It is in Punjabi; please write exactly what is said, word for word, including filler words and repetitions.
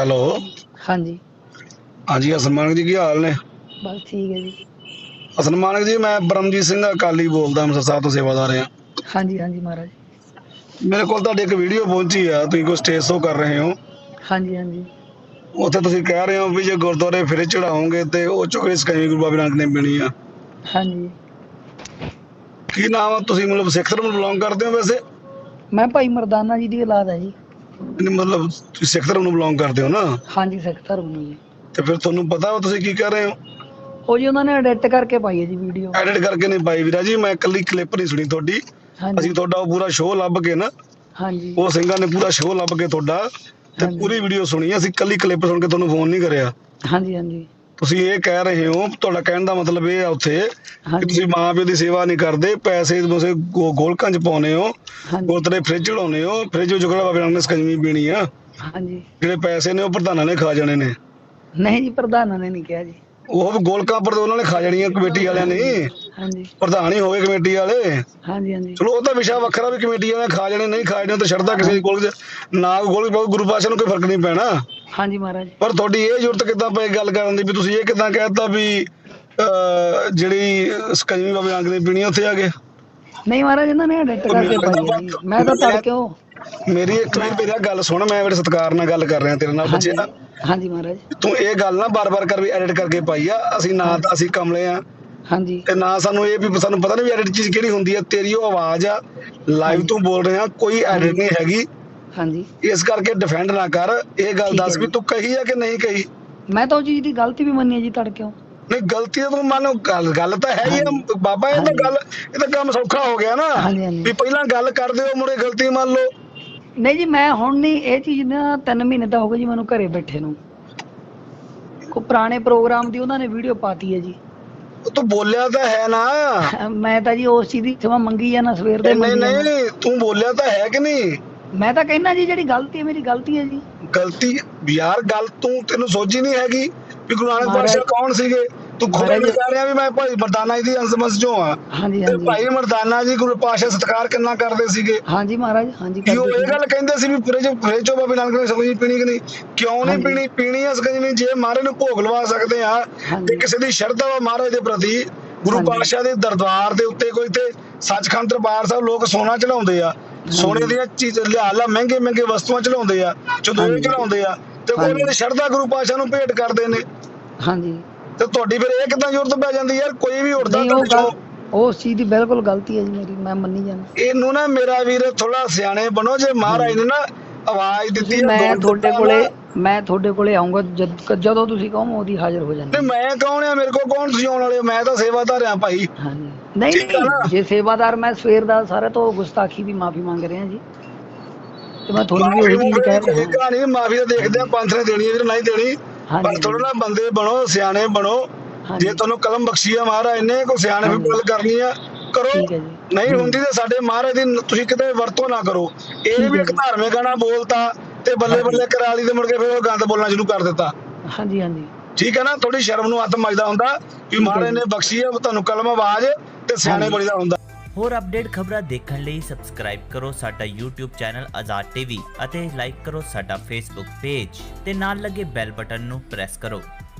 ਹੈਲੋ। ਹਾਂਜੀ। ਹਾਂਜੀ ਹਸਨ ਮਾਨਕ ਜੀ, ਕੀ ਹਾਲ ਨੇ? ਬਸ ਠੀਕ ਹੈ ਜੀ। ਹਸਨ ਮਾਨਕ ਜੀ, ਮੈਂ ਬਰਮਜੀਤ ਸਿੰਘ ਅਕਾਲੀ ਬੋਲਦਾ, ਅੰਮ੍ਰਿਤਸਰ ਸਾਹਿਬ ਤੋਂ ਸੇਵਾਦਾਰ ਹਾਂ। ਹਾਂਜੀ ਹਾਂਜੀ ਮਹਾਰਾਜ। ਮੇਰੇ ਕੋਲ ਤੁਹਾਡੀ ਇੱਕ ਵੀਡੀਓ ਪਹੁੰਚੀ ਆ, ਤੁਸੀਂ ਕੋਈ ਸਟੇਜ ਸ਼ੋ ਕਰ ਰਹੇ ਹੋ। ਹਾਂਜੀ ਹਾਂਜੀ। ਉੱਥੇ ਤੁਸੀਂ ਕਹਿ ਰਹੇ ਹੋ ਵੀ ਜੇ ਗੁਰਦੁਆਰੇ ਫਿਰ ਚੜਾਓਗੇ ਤੇ ਉਹ ਚੋਂ ਸਕੰਜਵੀ ਗੁਰੂ ਬਾਬਾ ਨਾਨਕ ਨੇ ਪੀਣੀ ਆ। ਹਾਂਜੀ। ਕੀ ਨਾਮ ਆ? ਤੁਸੀਂ ਮਤਲਬ ਸਿੱਖ ਧਰਮ ਨੂੰ ਬਿਲੋਂਗ ਕਰਦੇ ਹੋ ਵੈਸੇ? ਮੈਂ ਭਾਈ ਮਰਦਾਨਾ ਜੀ ਦੀ ਔਲਾਦ ਹੈ ਜੀ। ਨਹੀਂ, ਮਤਲਬ ਤੁਸੀਂ ਸਿੱਖ ਧਰਮ ਨੂੰ ਬਿਲੋਂਗ ਕਰਦੇ ਹੋ ਨਾ? ਹਾਂਜੀ, ਸਿੱਖ ਧਰਮ ਨੂੰ ਜੀ। ਤੇ ਫਿਰ ਤੁਹਾਨੂੰ ਪਤਾ ਵਾ ਤੁਸੀਂ ਕੀ ਕਰ ਰਹੇ ਹੋ? ਉਹ ਜੀ ਉਹਨਾਂ ਨੇ ਐਡਿਟ ਕਰਕੇ ਪਾਈ ਹੈ ਜੀ ਵੀਡੀਓ। ਐਡਿਟ ਕਰਕੇ ਨਹੀਂ ਪਾਈ ਵੀਰਾ ਜੀ, ਮੈਂ ਇਕੱਲੀ ਕਲਿੱਪ ਨਹੀਂ ਸੁਣੀ ਤੁਹਾਡੀ। ਹਾਂਜੀ ਅਸੀਂ ਤੁਹਾਡਾ ਉਹ ਪੂਰਾ ਸ਼ੋਅ ਲੱਭ ਕੇ ਨਾ, ਹਾਂਜੀ ਉਹ ਸਿੰਘਾਂ ਨੇ ਪੂਰਾ ਸ਼ੋਅ ਲੱਭ ਕੇ ਤੁਹਾਡਾ ਤੇ ਹਾਂਜੀ ਪੂਰੀ ਵੀਡੀਓ ਸੁਣੀ। ਅਸੀਂ ਇਕੱਲੀ ਕਲਿੱਪ ਸੁਣ ਕੇ ਤੁਹਾਨੂੰ ਫੋਨ ਨਹੀਂ ਕਰਿਆ। ਹਾਂਜੀ ਹਾਂਜੀ ਤੁਸੀਂ ਇਹ ਕਹਿ ਰਹੇ ਹੋ, ਤੁਹਾਡਾ ਕਹਿਣ ਦਾ ਮਤਲਬ ਇਹ ਆ ਉੱਥੇ ਕਿ ਹਾਂਜੀ ਤੁਸੀਂ ਮਾਂ ਪਿਓ ਦੀ ਸੇਵਾ ਨਹੀਂ ਕਰਦੇ, ਪੈਸੇ ਤੁਸੀਂ ਗੋ- ਗੋਲਕਾਂ 'ਚ ਪਾਉਂਦੇ ਹੋ, ਹਾਂਜੀ ਗੁਰਦੁਆਰੇ ਫ੍ਰਿਜ ਚੜਾਉਂਦੇ ਹੋ, ਫ੍ਰਿਜ ਵਿੱਚ ਕਿਹੜਾ ਬਾਬੇ ਨਾਨਕ ਨੇ ਸਕੰਜਵੀ ਪੀਣੀ ਆ? ਹਾਂਜੀ। ਜਿਹੜੇ ਪੈਸੇ ਨੇ ਉਹ ਪ੍ਰਧਾਨਾਂ ਨੇ ਖਾ ਜਾਣੇ ਨੇ। ਨਹੀਂ ਜੀ, ਪ੍ਰਧਾਨਾਂ ਨੇ ਨਹੀਂ ਕਿਹਾ ਜੀ। ਉਹ ਗੋਲਕਾਂ ਪਰ ਉਹਨਾਂ ਨੇ ਖਾ ਜਾਣੀਆਂ, ਕਮੇਟੀ ਵਾਲਿਆਂ ਨੇ। ਹਾਂਜੀ ਪ੍ਰਧਾਨ ਹੀ ਹੋਵੇ ਕਮੇਟੀ ਵਾਲੇ। ਹਾਂਜੀ ਹਾਂਜੀ ਚਲੋ ਉਹ ਤਾਂ ਵਿਸ਼ਾ ਵੱਖਰਾ ਵੀ ਕਮੇਟੀ ਵਾਲਿਆਂ ਨੇ ਖਾ ਜਾਣੇ ਨਹੀਂ ਖਾ ਜਾਣੇ, ਤਾਂ ਸ਼ਰਧਾ ਕਿਸੇ ਦੀ ਕੋਲ ਨਾ ਗੋਲ ਗੁਰੂ ਪਾਤਸ਼ਾਹ ਨੂੰ ਕੋਈ ਫਰਕ ਨਹੀਂ ਪੈਣਾ। ਹਾਂਜੀ ਮਹਾਰਾਜ। ਪਰ ਤੁਹਾਡੀ ਇਹ ਜ਼ਰੂਰਤ ਕਿੱਦਾਂ ਪਈ ਗੱਲ ਕਰਨ ਦੀ ਵੀ ਤੁਸੀਂ ਇਹ ਕਿੱਦਾਂ ਕਹਿਤਾ ਵੀ ਅਹ ਜਿਹੜੀ ਸਕੰਜਵੀ ਬਾਬੇ ਨਾਨਕ ਨੇ ਪੀਣੀ ਉੱਥੇ ਆ ਕੇ? ਨਹੀਂ ਮਹਾਰਾਜ, ਇਹਨਾਂ ਨੇ ਐਡਿਟ ਕਰਕੇ ਪਾਈ ਹੈ ਜੀ। ਮੈਂ ਤਾਂ ਤੜਕਿਓ। ਮੇਰੀ ਇੱਕ ਮਿੰਟ ਮੇਰੀ ਗੱਲ ਸੁਣ, ਮੈਂ ਬੜੇ ਸਤਿਕਾਰ ਨਾਲ ਗੱਲ ਕਰ ਰਿਹਾ ਤੇਰੇ ਨਾਲ ਹਾਂਜੀ ਬੱਚਿਆ। ਹਾਂਜੀ ਮਹਾਰਾਜ। ਤੂੰ ਇਹ ਗੱਲ ਨਾ ਬਾਰ-ਬਾਰ ਕਰ ਵੀ ਐਡਿਟ ਕਰਕੇ ਪਾਈ ਆ। ਅਸੀਂ ਨਾ ਤਾਂ ਅਸੀਂ ਕਮਲੇ ਆ ਹਾਂਜੀ ਤੇ ਨਾ ਸਾਨੂੰ ਇਹ ਵੀ ਸਾਨੂੰ ਪਤਾ ਨਹੀਂ ਵੀ ਐਡਿਟ ਚੀਜ਼ ਕਿਹੜੀ ਹੁੰਦੀ ਆ। ਤੇਰੀ ਉਹ ਆਵਾਜ਼ ਆ, ਲਾਈਵ ਤੂੰ ਬੋਲ ਰਿਹਾ, ਕੋਈ ਐਡਿਟ ਨਹੀਂ ਹੈਗੀ। ਹਾਂਜੀ। ਇਸ ਕਰਕੇ ਡਿਫੈਂਡ ਨਾ ਕਰ। ਇਹ ਗੱਲ ਠੀਕ ਹੈ ਦੱਸ ਵੀ ਜੀ। ਤੂੰ ਕਹੀ ਆ ਕਿ ਨਹੀਂ ਕਹੀ? ਮੈਂ ਤਾਂ ਉਹ ਚੀਜ਼ ਦੀ ਗਲਤੀ ਵੀ ਮੰਨੀ ਹੈ ਜੀ ਤੜਕਿਓ। ਨਹੀਂ, ਗਲਤੀ ਤਾਂ ਤੂੰ ਮੰਨ, ਗੱਲ ਗੱਲ ਤਾਂ ਹੈ ਹੀ ਆ ਹਾਂਜੀ ਬਾਬਾ। ਇਹ ਤਾਂ ਹਾਂਜੀ ਗੱਲ, ਇਹ ਤਾਂ ਕੰਮ ਸੌਖਾ ਹੋ ਗਿਆ ਨਾ ਹਾਂਜੀ ਹਾਂਜੀ। ਵੀ ਪਹਿਲਾਂ ਗੱਲ ਕਰਦੇ ਹੋ ਮੁੜੇ ਗਲਤੀ ਮੰਨ ਲਓ। ਨਹੀਂ ਜੀ, ਮੈਂ ਹੁਣ ਨਹੀਂ ਇਹ ਚੀਜ਼ ਨਾ, ਤਿੰਨ ਮਹੀਨੇ ਤਾਂ ਹੋ ਗਏ ਜੀ ਮੈਨੂੰ ਘਰੇ ਬੈਠੇ ਨੂੰ। ਕੋਈ ਪੁਰਾਣੇ ਪ੍ਰੋਗਰਾਮ ਦੀ ਉਹਨਾਂ ਨੇ ਵੀਡੀਓ ਪਾਤੀ ਹੈ ਜੀ। ਤੂੰ ਬੋਲਿਆ ਤਾਂ ਹੈ ਨਾ। ਮੈਂ ਤਾਂ ਜੀ ਉਸ ਚੀਜ਼ ਦੀ ਸਮਾਂ ਮੰਗੀ ਜਾਣਾ, ਸਵੇਰ ਦੇ ਨਹੀਂ ਮੰਗੀ ਜਾਣਾ। ਨਹੀਂ, ਤੂੰ ਬੋਲਿਆ ਤਾਂ ਹੈ ਕਿ ਨਹੀਂ? ਮੈਂ ਤਾਂ ਕਹਿੰਦਾ ਜੀ, ਜਿਹੜੀ ਗਲਤੀ ਹੈ ਮੇਰੀ ਗਲਤੀ ਹੈ ਜੀ। ਗਲਤੀ ਯਾਰ, ਗੱਲ ਤੂੰ ਤੈਨੂੰ ਸੋਚੀ ਨਹੀਂ ਹੈਗੀ ਵੀ ਗੁਰੂ ਨਾਨਕ ਮਹਾਰਾਜ- ਪਾਤਸ਼ਾਹ ਕੌਣ ਸੀਗੇ? ਤੂੰ ਖੁਦ ਮਹਾਰਾਜ- ਕਹਿ ਰਿਹਾ ਵੀ ਮੈਂ ਭਾਈ ਮਰਦਾਨਾ ਜੀ ਦੀ ਅੰਸ਼ਮਸ ਚੋਂ ਆ। ਹਾਂਜੀ ਤੇ ਹਾਂਜੀ ਭਾਈ ਮਰਦਾਨਾ ਜੀ ਗੁਰੂ ਪਾਤਸ਼ਾਹ ਸਤਿਕਾਰ ਕਿੰਨਾ ਕਰਦੇ ਸੀਗੇ? ਹਾਂਜੀ ਮਹਾਰਾਜ। ਹਾਂਜੀ ਕੀ ਉਹ ਕਰਦੇ ਇਹ ਸੀ। ਗੱਲ ਕਹਿੰਦੇ ਸੀ ਵੀ ਫ੍ਰਿਜ ਫ੍ਰਿਜ ਚੋਂ ਬਾਬੇ ਨਾਨਕ ਨੇ ਸਕੰਜਵੀ ਪੀਣੀ ਕਿ ਨਹੀਂ? ਕਿਉਂ ਨਹੀਂ ਹਾਂਜੀ। ਪੀਣੀ? ਪੀਣੀ ਆ ਸਕੰਜਵੀ ਜੇ ਮਹਾਰਾਜ ਨੂੰ ਭੋਗ ਲਵਾ ਸਕਦੇ ਆ। ਤੇ ਹਾਂਜੀ ਕਿਸੇ ਦੀ ਸ਼ਰਧਾ ਵਾ ਮਹਾਰਾਜ ਦੇ ਪ੍ਰਤੀ, ਗੁਰੂ ਹਾਂਜੀ। ਪਾਤਸ਼ਾਹ ਦੇ ਦਰਬਾਰ ਦੇ ਉੱਤੇ ਕੋਈ ਤੇ ਸੱਚਖੰਡ ਦਰਬਾਰ ਸਾਹਿਬ ਲੋਕ ਸੋਨਾ ਚੜਾਉਂਦੇ ਆ, ਸੋਨੇ ਦੀਆਂ ਚੀਜ਼ ਲਿਆ ਲਾ ਮਹਿੰਗੇ ਮਹਿੰਗੇ ਵਸਤੂਆਂ ਚੜਾਉਂਦੇ ਆ, ਚਦੋਏ ਹਾਂਜੀ। ਚੜਾਉਂਦੇ ਆ, ਤੇ ਹਾਂਜੀ। ਉਹਨਾਂ ਦੀ ਸ਼ਰਧਾ ਗੁਰੂ ਪਾਤਸ਼ਾਹ ਨੂੰ ਭੇਟ ਕਰਦੇ ਨੇ। ਹਾਂਜੀ। ਤੇ ਤੁਹਾਡੀ ਫਿਰ ਇਹ ਕਿੱਦਾਂ ਜ਼ਰੂਰਤ ਪੈ ਜਾਂਦੀ ਯਾਰ? ਕੋਈ ਵੀ ਉੱਠਦਾ ਨਹੀਂ, ਉਹ ਤੁਹਾਡੇ ਗੱਲ ਚੋਂ। ਉਸ ਚੀਜ਼ ਦੀ ਬਿਲਕੁਲ ਗਲਤੀ ਹੈ ਜੀ ਮੇਰੀ, ਮੈਂ ਮੰਨੀ ਜਾਣਾ। ਇਹਨੂੰ ਨਾ ਮੇਰਾ ਵੀਰ ਥੋੜਾ ਸਿਆਣੇ ਬਣੋ। ਜੇ ਮਹਾਰਾਜ ਨੇ ਨਾ ਆਵਾਜ਼ ਦਿੱਤੀ ਤੁਸੀਂ, ਆ, ਮੈਂ ਦੌੜ ਤੁਹਾਡੇ ਦਿੱਤਾ ਕੋਲੇ ਵਾ। ਮੈਂ ਤੁਹਾਡੇ ਕੋਲੇ ਆਉਂਗਾ ਜਦ ਜਦੋਂ ਤੁਸੀਂ ਕਹੋ ਉਹਦੀ ਹਾਜ਼ਰ ਹੋ ਜਾਣਾ। ਤੇ ਮੈਂ ਕੌਣ ਆ? ਮੇਰੇ ਕੋਲ ਕੌਣ ਤੁਸੀਂ ਆਉਣ ਵਾਲੇ? ਮੈਂ ਤਾਂ ਸੇਵਾਦਾਰ ਆ ਭਾਈ। ਹਾਂਜੀ। ਨਹੀਂ ਠੀਕ ਆ ਨਾ? ਨਹੀਂ, ਜੇ ਸੇਵਾਦਾਰ, ਮੈਂ ਸਵੇਰ ਦਾ ਸਾਰੇ ਤੋਂ ਗੁਸਤਾਖੀ ਦੀ ਮਾਫੀ ਮੰਗ ਰਿਹਾ ਜੀ। ਤੇ ਮੈਂ ਤੁਹਾਨੂੰ ਵੀ ਉਹੀ ਚੀਜ਼ ਕਹਿ ਰਿਹਾ। ਕਹਾਣੀ ਮਾਫੀ ਤਾਂ ਦੇਖਦੇ ਆ ਪੰਥ ਨੇ ਦੇਣੀ ਹੈ ਵੀਰ, ਨਹੀਂ ਦੇਣੀ। ਹਾਂਜੀ ਪਰ ਥੋੜਾ ਨਾ ਬੰਦੇ ਬਣੋ, ਸਿਆਣੇ ਬਣੋ। ਹਾਂਜੀ। ਜੇ ਤੁਹਾਨੂੰ ਕਲਮ ਬਖਸ਼ੀ ਆ ਮਹਾਰਾਜ ਨੇ, ਕੋਈ ਸਿਆਣੇ ਵੀ ਹਾਂਜੀ। ਗੱਲ ਕਰਨੀ ਆ ਕਰੋ। ਠੀਕ ਹੈ ਜੀ। ਨਹੀਂ ਹੂੰ। ਹੁੰਦੀ ਤੇ ਸਾਡੇ ਮਹਾਰਾਜ ਦੀ ਤੁਸੀਂ ਕਿਤੇ ਵਰਤੋਂ ਨਾ ਕਰੋ। ਇਹ ਠੀਕ ਵੀ ਹੈ ਇੱਕ ਜੀ। ਧਾਰਮਿਕ ਗਾਣਾ ਬੋਲਤਾ ਤੇ ਬੱਲੇ ਹਾਂਜੀ। ਬੱਲੇ ਕਰਾ ਲਈ ਤੇ ਮੁੜ ਕੇ ਫਿਰ ਉਹ ਗੰਦ ਬੋਲਣਾ ਸ਼ੁਰੂ ਕਰ ਦਿੱਤਾ। ਹਾਂਜੀ ਹਾਂਜੀ। ਠੀਕ ਹੈ ਨਾ? ਥੋੜੀ ਸ਼ਰਮ ਨੂੰ ਹੱਥ ਮੱਜਦਾ ਹੁੰਦਾ ਵੀ ਹੈ ਮਹਾਰਾਜ ਜੀ। ਨੇ ਬਖਸ਼ੀ ਆ ਤੁਹਾਨੂੰ ਕਲਮ ਆਵਾਜ਼, ਤੇ ਸਿਆਣੇ ਹਾਂਜੀ। ਬਣੀਦਾ ਹੁੰਦਾ। ਹੋਰ ਅਪਡੇਟ ਖਬਰਾਂ ਦੇਖਣ ਲਈ ਸਬਸਕ੍ਰਾਈਬ ਕਰੋ ਸਾਡਾ YouTube ਚੈਨਲ ਆਜ਼ਾਦ ਟੀਵੀ ਅਤੇ ਲਾਈਕ ਕਰੋ ਸਾਡਾ Facebook ਪੇਜ ਤੇ ਨਾਲ ਲੱਗੇ ਬੈਲ ਬਟਨ ਨੂੰ ਪ੍ਰੈਸ ਕਰੋ।